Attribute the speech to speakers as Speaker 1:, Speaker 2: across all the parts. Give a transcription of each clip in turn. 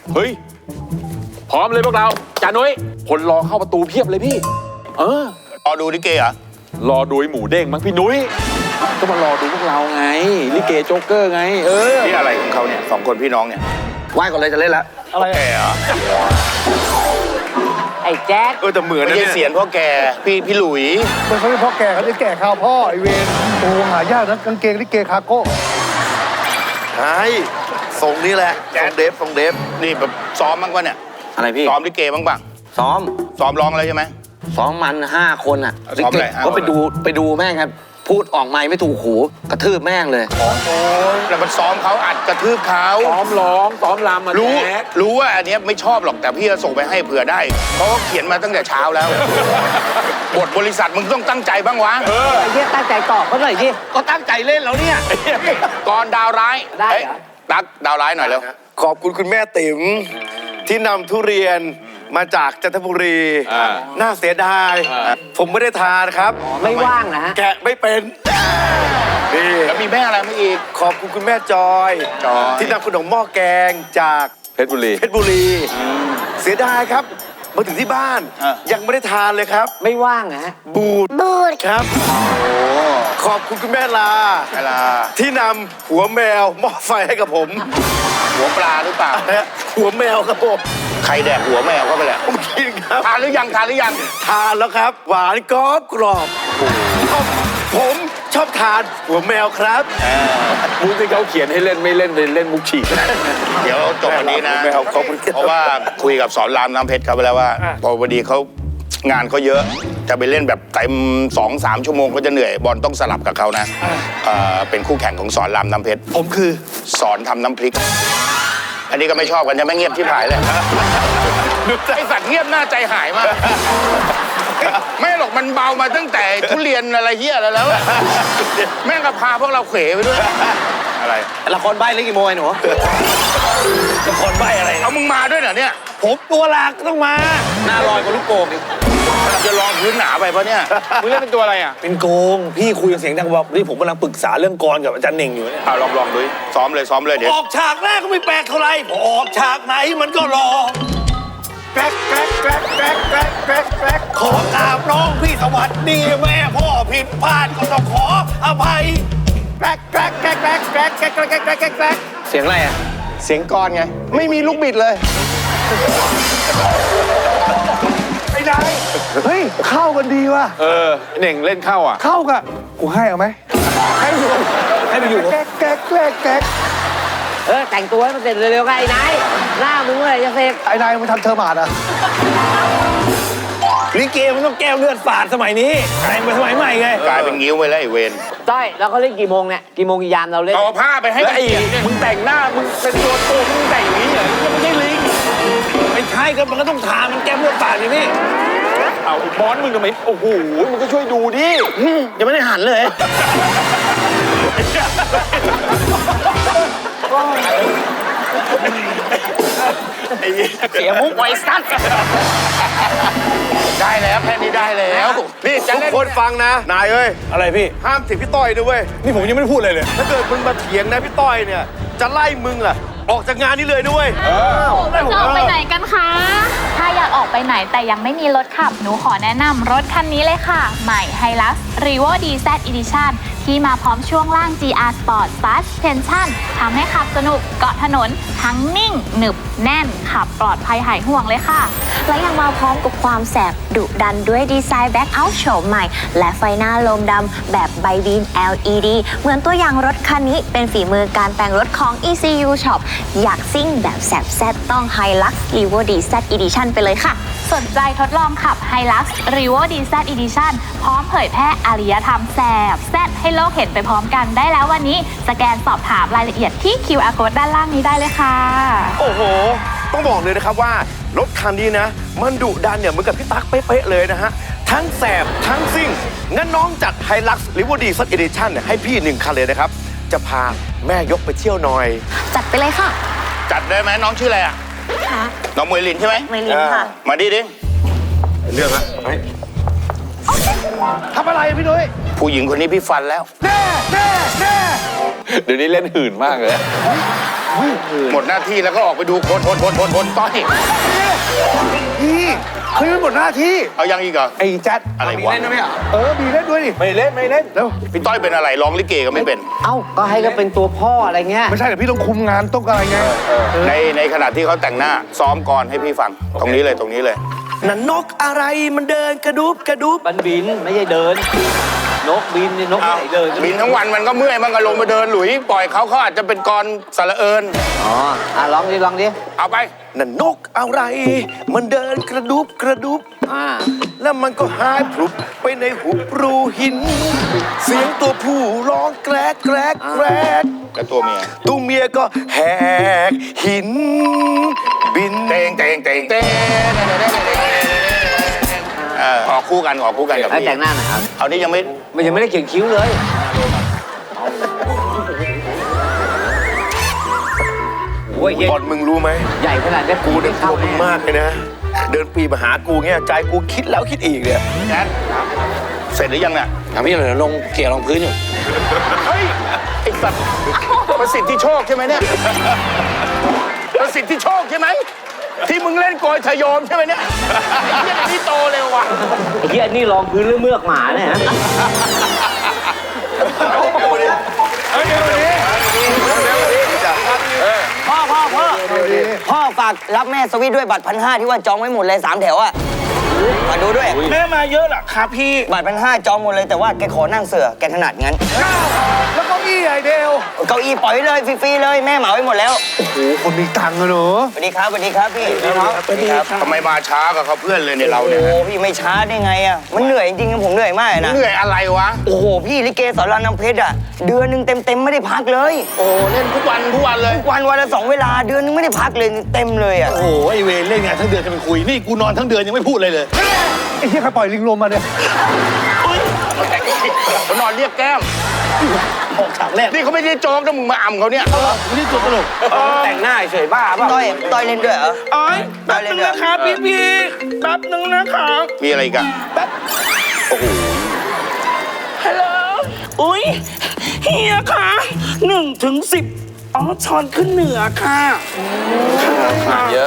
Speaker 1: เฮ้ยพร้อมเลยพวกเราจ่านุ้ยคนรอเข้าประตูเพียบเลยพี่
Speaker 2: รอดูลิเกเหรอ
Speaker 1: รอดูหมูเด้งมั้งพี่นุ้ยก็มารอดูพวกเราไงลิเกโจ๊กเกอร์ไง
Speaker 2: นี่อะไรของเขาเนี่ย2 คนพี่น้องเนี่ย
Speaker 3: ไหว้ก่อนเลยจะเล่นแล้ว
Speaker 2: อะไรแกเหรอ
Speaker 4: ไอ้แจ๊ด
Speaker 2: แต่เหมือนนะเนี่ยเสียนพ่อแกพี่หลุย
Speaker 5: มันเขาเรียกพ่อแกเขาเรียกแก่ข้าวพ่อไอเวนโอ้หายากนะกางเกงลิเกคาโก้
Speaker 3: ใช่ทรงนี้แหละทรงเดฟ
Speaker 2: นี่แบบซ้อมบ้างวะเนี่ย
Speaker 3: อะไรพี่
Speaker 2: ซ้อมลิเกบ้างป่ะ
Speaker 3: ซ้อม
Speaker 2: ร้องอะไรใช่ไหม
Speaker 3: ซ้อมมัน5 คนอ่ะ
Speaker 2: ซ้อมอะไร
Speaker 3: ก็ไปดูแม่งครับพูดออกไมค์ไม่ถูกหูกระทืบแม่งเลย
Speaker 2: โอ้แล้วมันซ้อมเขาอัดกระทืบเขา
Speaker 1: ซ้อมร้องซ้อมรำมา
Speaker 2: รู้ว่าอันนี้ไม่ชอบหรอกแต่พี่จะส่งไปให้เผื่อได้เพราะเขาเขียนมาตั้งแต่เช้าแล้วบทบริษัทมึงต้องตั้งใจบ้างวะ
Speaker 4: ไอ้เหี้ยตั้งใจตอบเขาหน่อยดิ
Speaker 3: ก็ตั้งใจเล่นแล้วเนี่ย
Speaker 2: ก่อนดาวร้าย
Speaker 4: ได้เหรอ
Speaker 2: ตักดาวร้ายหน่อยเร็ว
Speaker 3: ขอบคุณคุณแม่ติ๋มที่นำทุเรียนมาจากจันทบุรีน่าเสียดายผมไม่ได้ทานครับ
Speaker 4: ไม่ว่างนะฮะ
Speaker 3: แกะไม่เป็น
Speaker 2: นี่แล้วมีแม่อะไรมาอีก
Speaker 3: ขอบคุณคุณแม่จอยที่นำขนมหม้อแกงจาก
Speaker 1: เพชรบุรี
Speaker 3: เสียดายครับมาถึงที่บ้านยังไม่ได้ทานเลยครับ
Speaker 4: ไม่ว่างนะฮะ
Speaker 3: บูดครับขอบคุณคุณแม่ลาที่นำหัวแมวหม้อไฟให้กับผม
Speaker 2: หัวปลาหรือเปล่า
Speaker 3: หัวแมวครับผม
Speaker 2: ใครแดกหัวแมวเข้าไปแหละ
Speaker 3: ผมกินครับ
Speaker 2: ทานหรือยังทาน
Speaker 3: แล้วครับหวานกรอบผมชอบทานหัวแมวครับ
Speaker 1: มุกที่เขาเขียนให้เล่นไม่เล่นเลยเล่นมุกฉีก
Speaker 2: เดี๋ยวจบวันนี้นะเพราะว่าคุยกับสอนรามน้ำเพชรเขาไปแล้วว่าพอวันดีเขางานเขาเยอะจะไปเล่นแบบเต็ม2-3 ชั่วโมงก็จะเหนื่อยบอลต้องสลับกับเขานะเป็นคู่แข่งของสอนรามน้ำเพชร
Speaker 3: ผมคือ
Speaker 2: สอนทำน้ำพริกอันนี้ก็ไม่ชอบกันจะไม่เงียบที่ผายเลยไอสัตว์เงียบหน้าใจหายมากไม่หรอกมันเบามาตั้งแต่ทุเรียนอะไรเหี้ยแล้วแม่งก็พาพวกเราเขวไปด้วยอะไร
Speaker 3: ละครใบ้เล่นกี่โมงไอ้หนูละครใบ้อะไร
Speaker 2: เอามึงมาด้วยเหรอเนี่ย
Speaker 3: ผมตัวหลักต้องมาหน้าลอยกว่าลูกโป่งอีก
Speaker 2: จะลองพื้นหนาไปปะเนี่ย
Speaker 1: มึงเล่นเป็นตัวอะไรอ่ะ
Speaker 3: เป็นโกงพี่คุยกับเสียงดังบอกนี่ผมกำลังปรึกษาเรื่องกรกับอาจารย์เน่งอยู่เนี่ย
Speaker 2: ลองดูซ้อมเลยเดี๋ยว
Speaker 3: ออกฉากแรกก็ไม่แปลกเท่าไรพอออกฉากไหนมันก็รอแกรกขอกราบน้องพี่สวัสดีแม่พ่อผิดพลาดก็ต้องขออภัยแกรกเสียงอะไรอ่ะ
Speaker 5: เสียงกรไงไม่มีลูกบิดเลยไอ้นายเฮ้ยเข้ากันดีว่ะ
Speaker 1: เน่งเล่นเข้าอ่ะ
Speaker 5: เข้ากันกูให้เอาไหมให้ไปอยู่แก๊ก
Speaker 4: แต่งตัวให้มันเสร็จเร็วๆไงไอ้นายหน้ามึงเลยจะเสร็จ
Speaker 5: ไอ้นายมันทำเธอหมาดอ่ะ
Speaker 3: ลิเกมันต้องแก้วเลือดฝาดสมัยนี้แต่งไปสมัยใหม่ไง
Speaker 2: กลายเป็นงิ้วไปแล้วไอ้เวร
Speaker 4: ต้อยแล้วเขาเล่นกี่โมงเนี่ยกี่โมงกี่ยามเราเล่น
Speaker 2: เอาผ้าไปให้
Speaker 1: ไอ้มึงแต่งหน้ามึงเป็นตัวมึงแต่งอย่างนี้เหรอไม่ใช่ลิง
Speaker 3: ไม่ใช่ก็มันก็ต้องทามันแก้วเลือดฝาดอย่างนี้
Speaker 1: เอาบอสมึงทำไมโอ้โหมึงก็ช่วยดูดิ
Speaker 3: ยังไม่ได้หันเลย
Speaker 4: เสียมุกไว้สั้น
Speaker 2: ได้แล้วแค่นี้ได้แล้ว
Speaker 3: นี่ทุกคนฟังนะนายเอ้ยอะไรพี่ห้ามเถียงพี่ต้อยด้วยเว้ยนี่ผมยังไม่ได้พูดเลยถ้าเกิดมึงมาเถียงนะพี่ต้อยเนี่ยจะไล่มึงอะออกจากงานนี้เลยด้วย
Speaker 6: จะออกไปไหนกันคะถ้าอยากออกไปไหนแต่ยังไม่มีรถขับหนูขอแนะนำรถคันนี้เลยค่ะใหม่ Hilux Revo DZ Edition ที่มาพร้อมช่วงล่าง GR Sport Suspension ทำให้ขับสนุกเกาะถนนทั้งนิ่งหนึบแน่นขับปลอดภัยหายห่วงเลยค่ะ
Speaker 7: และยังมาพร้อมกับความแสบดุดันด้วยดีไซน์แบ็คเอาท์โฉมใหม่และไฟหน้าโลมดำแบบไบบีม LED เหมือนตัวอย่างรถคันนี้เป็นฝีมือการแต่งรถของ ECU Shop อยากซิ่งแบบแสบแซ่บต้อง Hilux Revo DZ Edition ไปเลยค่ะ
Speaker 6: สนใจทดลองขับ Hilux Revo DZ Edition พร้อมเผยแพร่อารยธรรมแสบแซ่บให้โลกเห็นไปพร้อมกันได้แล้ววันนี้สแกนสอบถามรายละเอียดที่ QR Code ด้านล่างนี้ได้เลยค่ะ
Speaker 3: โอ้โหต้องบอกเลยนะครับว่ารถคันนี้นะมันดุดันเนี่ยเหมือนกับพี่ตั๊กเป๊ะๆเลยนะฮะทั้งแสบทั้งซิ่งงั้นน้องจัด Hilux Revo DZ Edition ให้พี่1 คันเลยนะครับจะพาแม่ยกไปเที่ยวหน่อย
Speaker 7: จัดไปเลยค่ะ
Speaker 2: จัดได้ไหมน้องชื่ออะไรอ่ะ
Speaker 7: ค่ะ
Speaker 2: น้องมวยลินใช่ไหม
Speaker 7: มวยลินค่ะ
Speaker 2: มาดิ
Speaker 3: เรื่องอะ
Speaker 5: ทำอะไรพี่นุ้ย
Speaker 2: ผู้หญิงคนนี้พี่ฟันแล้ว
Speaker 5: แน่
Speaker 1: เดี๋ยวนี้เล่นหื่นมากเลย
Speaker 2: หมดหน้าที่แล้วก็ออกไปดูคนต้อย
Speaker 5: พี่เคยเป็นหมดหน้าที่
Speaker 2: เอายังอีกเหรอ
Speaker 5: ไอ้แจ๊ด
Speaker 2: อะไรวะ
Speaker 5: มีเล่นด้วยดิ
Speaker 1: ไม่เล่น
Speaker 5: แล้ว
Speaker 2: พี่ต้อยเป็นอะไรร้องลิเกก็ไม่เป็น
Speaker 4: เอ้าก็ให้ก็เป็นตัวพ่ออะไรเงี้ย
Speaker 5: ไม่ใช่แต่พี่ต้องคุมงานต้องอะไรไง
Speaker 2: ในขณะที่เขาแต่งหน้าซ้อมก่อนให้พี่ฟัง ตรงนี้เลยตรงนี้เลย
Speaker 3: นั่นนกอะไรมันเดินกระดุบกระดุบ
Speaker 4: มันบินไม่ใช่เดิน นกบินเนี่ยนก
Speaker 2: เอา
Speaker 4: ไหนเดิน
Speaker 2: บินทั้งวันมันก็เมื่อยมันก็ลงมาเดินหลุยปล่อยเขาอาจจะเป็นกรสระเอิญ
Speaker 4: อ๋อลองดิลองดิ
Speaker 2: เอาไป
Speaker 3: นั่นนกอะไร มันเดินกระดุบกระดุบแล้วมันก็หายพลุบไปในหุบรูหิน เสียงตัวผู้ร้องแกรกแกรกแกรก
Speaker 2: แล้วตัวเมีย
Speaker 3: ตัวเมียก็แหกหิน บิน
Speaker 2: เตงออกคู่กันออกคู่กันกับ
Speaker 4: แล้ว
Speaker 2: พี่
Speaker 4: แต่งหน้าหน่อยครับ
Speaker 2: เอานี่ยังไม่
Speaker 4: มันยังไม่ได้เขียนคิ้วเลยโอ้ยเย็น
Speaker 3: บอลมึงรู้ไหม
Speaker 4: ใหญ่ขนาดนี้
Speaker 3: กูเนี่ยกลัวมึงมากเลยนะ เดินปีมาหากูเงี้ยใจกูคิดแล้วคิดอีกเนี่ย
Speaker 2: แจ๊ดเสร็จหรือยังเนี่ย
Speaker 1: ทำพี่เหลือลงเกลี่ยรองพื้นอยู่
Speaker 2: เฮ้ยไอ้สัตว์ประสิทธิโชคใช่ไหมเนี่ยประสิทธิโชคใช่ไหมที่มึงเล่นโกยทะโยมใช่ไหมเนี่ยไอ้เหี้ยนี่โตเร็วว่ะ
Speaker 4: ไอ้เหี้ยนี่รองพื้นหรือเมือกหมาเนี่ยฮะ
Speaker 8: พ่อฝากรับแม่สวิตด้วยบัตร1,500ที่ว่าจองไว้หมดเลย3 แถวอะฝากดูด้วย
Speaker 9: แม่มาเยอะเหรอครับพี่
Speaker 8: บัตร1,500จองหมดเลยแต่ว่าแกขอนั่งเสือแกถนัดงั้น
Speaker 5: แล้วก็อี้ไอเดล
Speaker 8: เก้าอี้ปล่อยไว้เลยฟรีๆเลยแม่เหมาไว้หมดแล้ว
Speaker 5: โอ้โหคนมีตังค์อะเนอะ
Speaker 8: สวัสดีครับสวัสดีครับพี่สวัสดีครับ
Speaker 2: ทำไมมาช้ากับเขาเพื่อนเลยเนี่ยเรา
Speaker 8: โอ้
Speaker 2: เนี่ย
Speaker 8: โหพี่ไม่ช้าได้ไงอะมันเหนื่อยจริงๆผมเหนื่อยมากนะ
Speaker 2: เหนื่อยอะไรวะ
Speaker 8: โอ้โหพี่ลิเกสอนรามน้ำเพชรอะเดือนหนึงเต็มๆไม่ได้พักเลย
Speaker 2: โอ้เล่นทุกวันเลย
Speaker 8: วันละ2 เวลาเดือนนึงไม่ได้พักเลยเต็มเลยอะ
Speaker 9: โอ้โหไอเวรเล่นงานทั้งเดือนจะเป็นคุย นี่กูนอนทั้งเดือนยังไม่พูดเลยเลย
Speaker 5: ไอ้ที่ใครปล่อยลิงลมมาเนี่ย
Speaker 2: เขานอนเรียกแก้ม
Speaker 9: ออกฉากแรก
Speaker 2: นี่เขาไม่ได้โจ๊กนะมึงมาอ่ำเขาเนี่ย
Speaker 9: นี่ตัวตลก
Speaker 4: แต่งหน้าเฉยบ้าเปล่า
Speaker 8: ต้อยเล่นด้วยเหรอ
Speaker 9: อ๋อยแป๊บนึงนะครับพี่แป๊บนึงนะครับ
Speaker 2: มีอะไรอีกัน
Speaker 9: ฮัลโหล อุ้ยเฮียค่ะ1 ถึง 10อ๋อช้อนขึ้นเหนือค่ะค่ะ
Speaker 1: เยอะ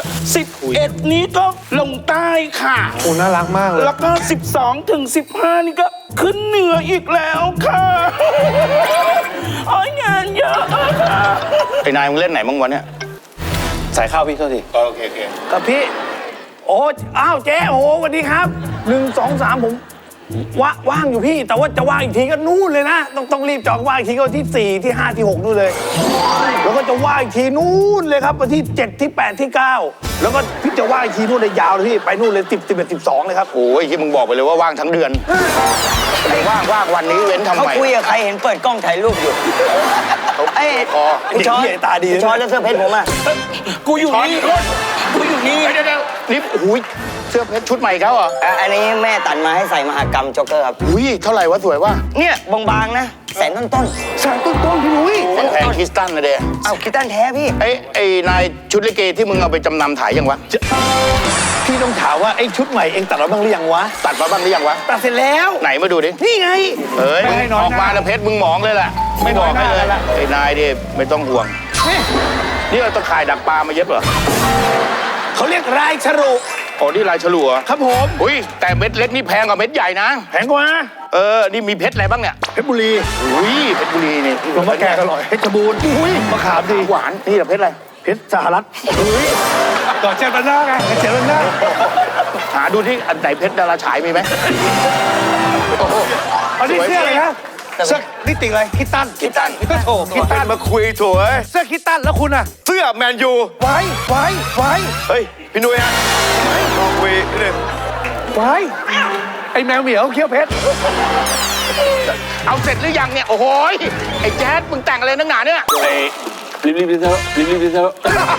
Speaker 9: 11 นี้ก็ลงใต้ค่ะ
Speaker 5: โอ้น่ารักมากเลย
Speaker 9: แล้วก็ 12 ถึง 15 นี่ก็ขึ้นเหนืออีกแล้วค่ะโอ้ยงานเยอะค่ะ
Speaker 2: ไอ้นายมึงเล่นไหนบ้างวะเนี่ย
Speaker 1: ใส่ข้าวพี่เท่าที
Speaker 2: โอเค
Speaker 9: กับพี่ โอ้อ้าวเจ๊โอ้สวัสดีครับ1 2 3ผมว่างอยู่พี่ แต่ว่าจะว่างอีกทีก็นู่นเลยนะ ต้องรีบจองว่างอีกทีก็วันที่ 4 ที่ 5 ที่ 6 นู่นเลย แล้วก็จะว่างอีกทีนู่นเลยครับวันที่ 7 ที่ 8 ที่ 9 แล้วก็พี่จะว่างอีกทีนู่นเลยยาวเลยพี่ไปนู่นเลย10 11 12เลยครับ
Speaker 2: โอ้ยที่มึงบอกไปเลยว่าว่างทั้งเดือนว่างวันนี้เว้นทำ
Speaker 8: เขา
Speaker 2: ไม
Speaker 8: คุยกับใครเห็นเปิดกล้องถ่ายรูปอยู่เอ้ย
Speaker 2: คอ
Speaker 8: คุณช้อน
Speaker 9: เด็กเหี้ยตาดี
Speaker 8: คุณช้อนแล้วเสื้อเพชรผมอะ
Speaker 9: กูอยู่นี่กูอยู่นี่
Speaker 2: เดี๋ยวนี่โอ้ยเสื้อเพชรชุดใหม่เขาเหรอ
Speaker 8: อันนี้แม่ตัดมาให้ใส่มหากรรมจ็อกเกอร์ครับ
Speaker 2: อุ้ยเท่าไหร่วะสวยวะ
Speaker 8: เนี่ยบางๆนะแสนต้น
Speaker 5: สารต้นพี่นุ้ย
Speaker 2: แพงคริสตันนะเด้
Speaker 8: ๆเอาคิดตันแท้พี่
Speaker 2: ไอ้นายชุดลิเกที่มึงเอาไปจำนำถ่ายยังวะ
Speaker 9: พี่ต้องถามว่าไอ้ชุดใหม่เองตัดมาบ้างหรือยังวะ
Speaker 2: ตัดมาบ้างหรือยังวะ
Speaker 9: ตัดเสร็จแล้ว
Speaker 2: ไหนมาดูดิ
Speaker 9: นี่ไง
Speaker 2: เฮ้ยออกมาแล้วเพชรมึงหมองเลยแหละไม่บอกให้เลยไอ้นายดิไม่ต้องห่วงนี่เราตะข่ายดักปลามาเย็บเหรอ
Speaker 9: เขาเรียกรายฉรุ
Speaker 2: โอ้นี่ลายฉลุเหรอ
Speaker 9: ครับผม
Speaker 2: อุ้ยแต่เม็ดเล็กนี่แพงกว่าเม็ดใหญ่นะ
Speaker 9: แพงกว่า
Speaker 2: นี่มีเพชรอะไรบ้างเนี่ย
Speaker 9: เพชรบุรี
Speaker 2: อุ้ยเพชรบุรีนี่
Speaker 5: หลวงพ่อแกอร่อยเพชรบูรณ์อุ้ยมะขามดี
Speaker 2: หวานนี่เหรอเพชรอะไร
Speaker 5: เพชรสหรัฐอุ้ยก่อนเจ็ดวันหน้าไงเจ็ดวันหน้า
Speaker 2: หาดูที่อันไหนเพชรดาราฉายมีไหมโอ้โห
Speaker 5: อันนี้เสื้ออะไรนะเสื้อนี่ติ่งอะไรคิตตัน
Speaker 2: คิดตัน
Speaker 5: ก็โถคิตตัน
Speaker 3: มาคุยโถเอ้ย
Speaker 5: เสื้อคิตตันแล้วคุณอะ
Speaker 3: เสื้อแมนยู
Speaker 5: ไว้
Speaker 3: เฮ้ย พี่นุ้ยฮะมาคุยนิดนึง
Speaker 5: ไอ้แมวเหมียวเขี้ยวเพชร
Speaker 2: เอาเสร็จหรือยังเนี่ยโอ้โหยไอ้แจ๊ดมึงแต่งอะไรนักหนาเนี่ย
Speaker 1: รีบๆเถอะรีบๆเถอะ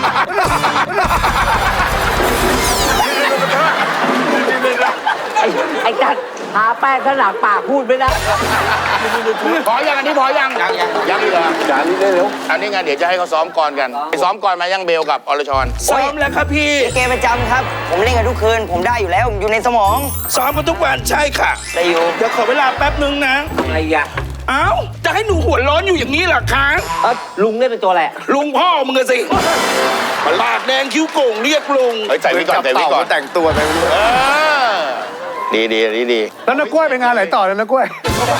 Speaker 4: ไอ้จัดหาแป้งขนาดปากพูดไม่ได้
Speaker 2: พอยังอันนี้พอยังยังอีกเหรอ
Speaker 1: จานนี้ได้เร็ว
Speaker 2: อันนี้ไงเดี๋ยวจะให้เขาซ้อมก่อนกันไปซ้อมก่อนมายังเบลกับอรชร
Speaker 9: ซ้อมแล้วครับพี่
Speaker 8: ลิเกประจำครับ ผมเล่นกันทุกคืน ผมได้อยู่แล้วอยู่ในสมอง
Speaker 9: ซ้อมมาทุกวันใช่ค่ะ
Speaker 8: ได้อยู่
Speaker 9: เดี๋ยวขอเวลาแป๊บนึงนะ
Speaker 4: อะไรอ่ะ
Speaker 2: เอ้าจะให้หนูหัวร้อนอยู่อย่างนี้เหรอคะ
Speaker 4: ลุงเล่นเป็นตัวอะไร
Speaker 2: ลุงพ่อมึงอะสิปากแดงคิ้วโก่งเรียกลุง
Speaker 3: เฮ้ยใจไว้ก่อนใจไว้ก่อนแต่งตัวไป
Speaker 2: ดีดี
Speaker 5: แล้วนักกล้วยไปงานไหนต่อแล้วนักกล้วย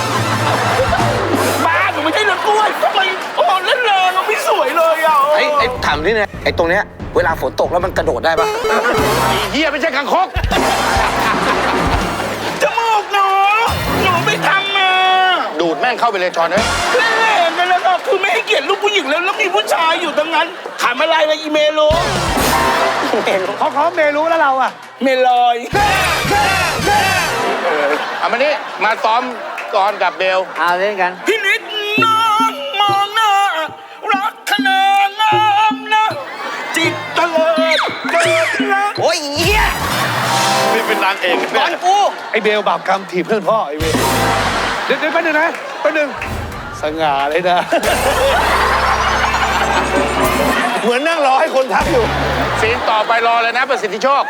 Speaker 2: บ้าหนูไม่ใช่นักกล้วยทำไมโอ้เล่นแรงมันไม่สวยเลยอ่ะ
Speaker 8: ไอ้ถามนี่เนี่ยไอ้ตรงเนี้ยเวลาฝนตกแล้วมันกระโดดได้ปะ
Speaker 2: ไอ้เหี้ยไม่ใช่กังคกจมูกหนูไม่ทำมาดูดแม่งเข้าไปเลยจอนเอ้ยเล่นแรงกันแล้วก็คือไม่ให้เกียรติลูกผู้หญิงแล้วมีผู้ชายอยู่ตรงนั้นถามอะไรเลยอีเมลรู้
Speaker 5: เขาเมรู้แล้วเราอ่ะ
Speaker 2: เมลอยเอามานี่มาซ้อมก่อนกับเบล
Speaker 4: เอาเล่นกัน
Speaker 2: พี่นิดน้องมองหน้ารักขนางามนะจิตตะเลิดเกิดรัก
Speaker 8: โอ้ยเหี้ย
Speaker 3: นี่เป็นนางเอก
Speaker 8: ตอนกู
Speaker 5: ไอเบลบาปกรรมถีบเพื่อนพ่อไอเวรเดี๋ยวแป๊บนึงนะแป๊บนึงสง่าเลยนะ
Speaker 9: เหมือนนั่งรอให้คนทักอยู่
Speaker 2: ซีนต่อไปรอเลยนะประสิทธิโชค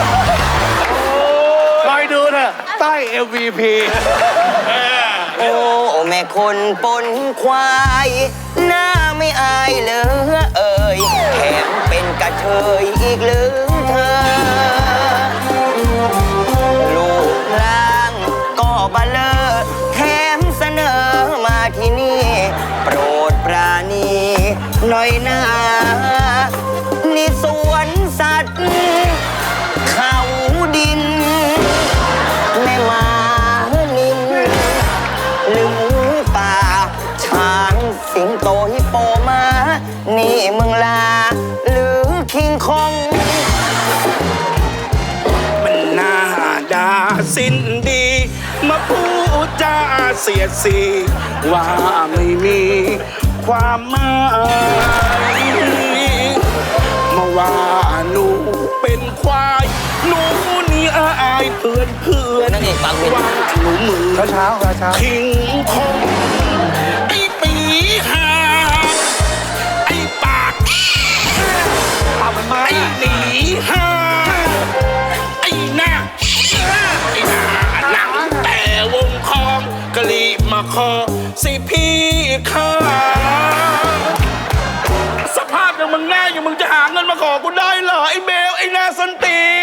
Speaker 5: คอยดูเถอะใต้ MVP
Speaker 8: โอ้แม่คนปนควายหน้าไม่อายเลยเอ่ยแถมเป็นกระเทยอีกหรือเธอ ลูกร่างก็บะเลอแถมเสนอมาที่นี่ โปรดปราณีหน่อยนะนี่สวนสัตว์เขาดิน แม่มานินหรือหมูป่าช้างสิงโตฮิปโปมานี่มึงลาหรือคิงคอง
Speaker 2: มันน่าด่าสิ้นดี มาพูดจาเสียดสีว่าไม่มีความหมายมาว่าหนูเป็นควายหนูนี่อายเพื่อน
Speaker 8: นั่นเองปากเป็น
Speaker 2: ว่าหนูมือ
Speaker 5: เช้า
Speaker 2: คิงคองไอ้ปีหาไอ้ปากไอ้หนีหาไอ้หน้าหนังแต่วงคองกะลีมาคอสิพี่ข้าสภาพอย่างมึงหน้าอย่างมึงจะหาเงินมาขอกูได้เหรอไอ้เบลไอ้หน้าสันตีน